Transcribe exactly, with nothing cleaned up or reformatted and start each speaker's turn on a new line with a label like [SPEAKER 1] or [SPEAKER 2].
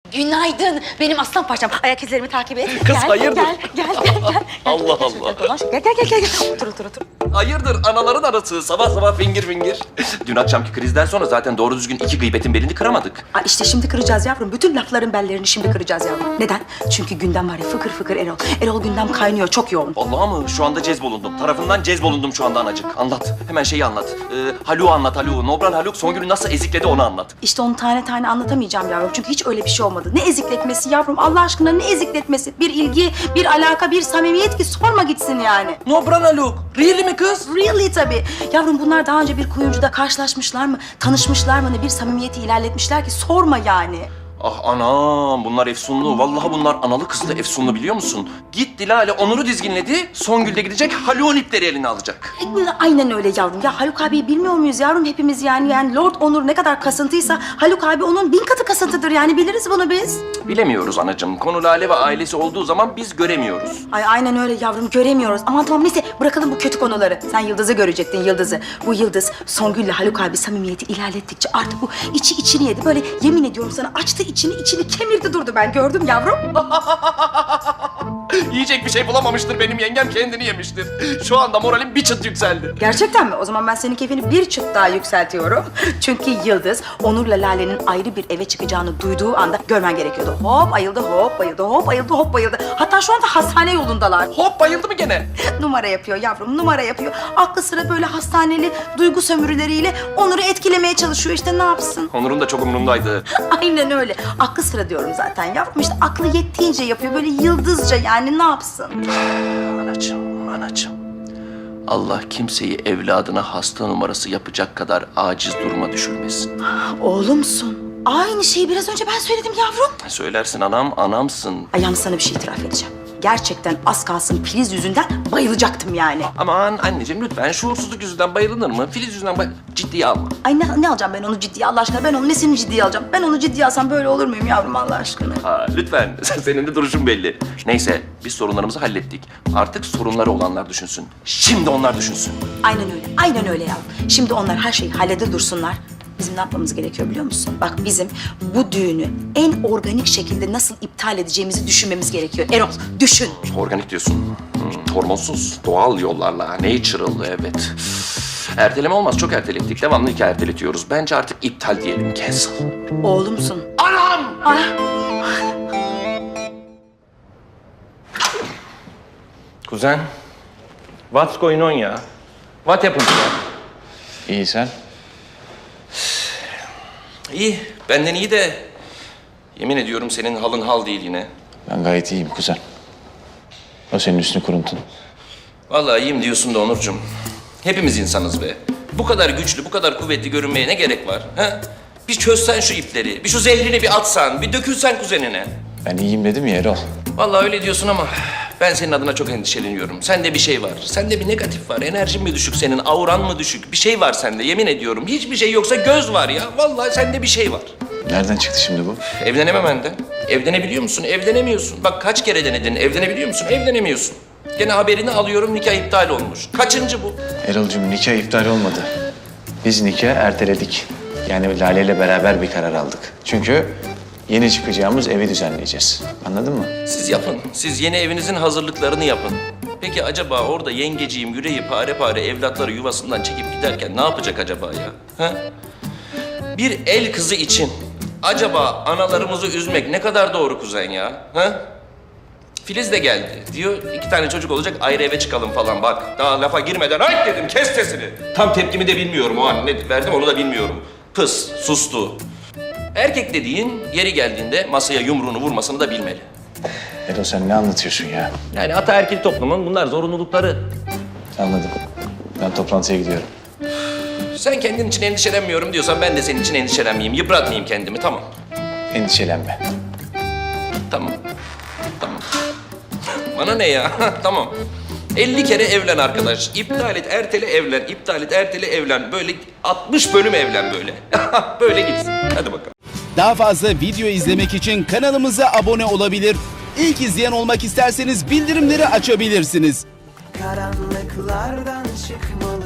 [SPEAKER 1] Günaydın benim aslan parçam. Ayak izlerimi takip et.
[SPEAKER 2] Kız,
[SPEAKER 1] gel,
[SPEAKER 2] hayırdır?
[SPEAKER 1] Gel gel gel gel.
[SPEAKER 2] Allah Allah.
[SPEAKER 1] Gel gel gel gel. gel. Otur otur otur.
[SPEAKER 2] Hayırdır anaların arası sabah sabah fingir fingir. Dün akşamki krizden sonra zaten doğru düzgün iki gıybetin belini kıramadık.
[SPEAKER 1] Aa, işte şimdi kıracağız yavrum. Bütün lafların bellerini şimdi kıracağız yavrum. Neden? Çünkü gündem var ya fıkır fıkır Erol. Erol gündem kaynıyor çok yoğun.
[SPEAKER 2] Vallahi mı? Şu anda cezbolundum. Tarafından cezbolundum şu anda anacık. Anlat. Hemen şeyi anlat. Ee, Haluk'u anlat Haluk'u. Nobran Haluk Songül'ü nasıl ezikledi onu anlat.
[SPEAKER 1] İşte onu tane tane anlatamayacağım yavrum. Çünkü hiç öyle bir şey olmadı. Ne ezikletmesi yavrum? Allah aşkına ne ezikletmesi? Bir ilgi, bir alaka, bir samimiyet ki sorma gitsin yani.
[SPEAKER 2] Nobran Haluk. Really mi kız?
[SPEAKER 1] Really tabii. Yavrum bunlar daha önce bir kuyumcuda karşılaşmışlar mı? Tanışmışlar mı? Ne bir samimiyeti ilerletmişler ki sorma yani.
[SPEAKER 2] Ah anam bunlar efsunlu. Vallahi bunlar analı kızlı efsunlu biliyor musun? Gitti Lale Onur'u dizginledi. Songül de gidecek Haluk'un ipleri eline alacak.
[SPEAKER 1] Aynen öyle yavrum. Ya Haluk abiyi bilmiyor muyuz yavrum hepimiz yani? Yani Lord Onur ne kadar kasıntıysa Haluk abi onun bin katı kasıntıdır yani biliriz bunu biz.
[SPEAKER 2] Bilemiyoruz anacığım. Konu Lale ve ailesi olduğu zaman biz göremiyoruz.
[SPEAKER 1] Ay aynen öyle yavrum göremiyoruz. Aman tamam neyse bırakalım bu kötü konuları. Sen Yıldız'ı görecektin Yıldız'ı. Bu Yıldız Songül'le Haluk abi samimiyeti ilerlettikçe artık bu içi içini yedi. Böyle yemin ediyorum sana açtı içini içini kemirdi durdu ben gördüm yavrum.
[SPEAKER 2] Yiyecek bir şey bulamamıştır benim yengem kendini yemiştir. Şu anda moralim bir çıt yükseldi.
[SPEAKER 1] Gerçekten mi? O zaman ben senin keyfini bir çıt daha yükseltiyorum. Çünkü Yıldız Onur'la Lale'nin ayrı bir eve çıkacağını duyduğu anda görmen gerekiyordu. Hop ayıldı, hop bayıldı, hop ayıldı, hop bayıldı. Hatta şu anda hastane yolundalar.
[SPEAKER 2] Hop bayıldı mı gene?
[SPEAKER 1] Numara yapıyor yavrum, numara yapıyor. Aklı sıra böyle hastaneli duygu sömürüleriyle Onur'u etkilemeye çalışıyor. İşte ne yapsın?
[SPEAKER 2] Onur'un da çok umurundaydı.
[SPEAKER 1] Aynen öyle. Aklı sıra diyorum zaten yavrum. İşte aklı yettiğince yapıyor. Böyle yıldızca yani ne yapsın?
[SPEAKER 2] Anacığım, anacığım. Allah kimseyi evladına hasta numarası yapacak kadar aciz duruma düşürmesin.
[SPEAKER 1] Oğlumsun. Aynı şeyi biraz önce ben söyledim yavrum.
[SPEAKER 2] Söylersin anam, anamsın.
[SPEAKER 1] Ay yalnız sana bir şey itiraf edeceğim. Gerçekten az kalsın Filiz yüzünden bayılacaktım yani.
[SPEAKER 2] Aman anneciğim lütfen şuursuzluk yüzünden bayılınır mı? Filiz yüzünden bay... Ciddiye alma.
[SPEAKER 1] Ay ne, ne alacağım ben onu ciddiye Allah aşkına? Ben onun nesini ciddiye alacağım? Ben onu ciddiye alsam böyle olur muyum yavrum Allah aşkına?
[SPEAKER 2] Ha, lütfen. Senin de duruşun belli. Neyse biz sorunlarımızı hallettik. Artık sorunları olanlar düşünsün. Şimdi onlar düşünsün.
[SPEAKER 1] Aynen öyle, aynen öyle yavrum. Şimdi onlar her şeyi hallede dursunlar. Bizim ne yapmamız gerekiyor biliyor musun? Bak bizim bu düğünü en organik şekilde nasıl iptal edeceğimizi düşünmemiz gerekiyor. Erol düşün.
[SPEAKER 2] Organik diyorsun. Hmm, hormonsuz, doğal yollarla, natural evet. Erteleme olmaz, çok ertelettik. Devamlı iki erteletiyoruz. Bence artık iptal diyelim, cancel.
[SPEAKER 1] Oğlumsun.
[SPEAKER 2] Anam!
[SPEAKER 1] Ay.
[SPEAKER 2] Kuzen, what's going on ya? What happened ya?
[SPEAKER 3] İyi sen?
[SPEAKER 2] İyi, benden iyi de... Yemin ediyorum senin halın hal değil yine.
[SPEAKER 3] Ben gayet iyiyim kuzen. O senin üstünü kuruntun.
[SPEAKER 2] Vallahi iyiyim diyorsun da Onurcuğum. Hepimiz insanız be. Bu kadar güçlü, bu kadar kuvvetli görünmeye ne gerek var? Ha? Bir çözsen şu ipleri, bir şu zehrini bir atsan, bir dökülsen kuzenine.
[SPEAKER 3] Ben iyiyim dedim ya Erol.
[SPEAKER 2] Vallahi öyle diyorsun ama ben senin adına çok endişeleniyorum. Sende bir şey var. Sende bir negatif var. Enerjin mi düşük senin? Auran mı düşük? Bir şey var sende yemin ediyorum. Hiçbir şey yoksa göz var ya. Vallahi sende bir şey var.
[SPEAKER 3] Nereden çıktı şimdi bu?
[SPEAKER 2] Evlenememenden. Evlenebiliyor musun? Evlenemiyorsun. Bak kaç kere denedin. Evlenebiliyor musun? Evlenemiyorsun. Gene haberini alıyorum nikah iptal olmuş. Kaçıncı bu?
[SPEAKER 3] Erol'cum nikah iptal olmadı. Biz nikah erteledik. Yani Lale ile beraber bir karar aldık. Çünkü yeni çıkacağımız evi düzenleyeceğiz. Anladın mı?
[SPEAKER 2] Siz yapın. Siz yeni evinizin hazırlıklarını yapın. Peki acaba orada yengeciğim yüreği pare pare evlatları yuvasından çekip giderken ne yapacak acaba ya? Ha? Bir el kızı için acaba analarımızı üzmek ne kadar doğru kuzen ya? Ha? Filiz de geldi. Diyor iki tane çocuk olacak ayrı eve çıkalım falan bak. Daha lafa girmeden ay dedim kes sesini. Tam tepkimi de bilmiyorum o an ne verdim onu da bilmiyorum. Pıs sustu. Erkek dediğin yeri geldiğinde masaya yumruğunu vurmasını da bilmeli.
[SPEAKER 3] Erol sen ne anlatıyorsun ya?
[SPEAKER 2] Yani ataerkil toplumun bunlar zorunlulukları.
[SPEAKER 3] Anladım. Ben toplantıya gidiyorum.
[SPEAKER 2] Sen kendin için endişelenmiyorum diyorsan ben de senin için endişelenmeyeyim. Yıpratmayayım kendimi tamam.
[SPEAKER 3] Endişelenme.
[SPEAKER 2] Tamam. Tamam. Bana ne ya? Tamam. elli kere evlen arkadaş. İptal et, ertele, evlen. İptal et, ertele, evlen. Böyle altmış bölüm evlen böyle. Böyle gitsin. Hadi bakalım.
[SPEAKER 4] Daha fazla video izlemek için kanalımıza abone olabilir. İlk izleyen olmak isterseniz bildirimleri açabilirsiniz.
[SPEAKER 5] Karanlıklardan çıkmalı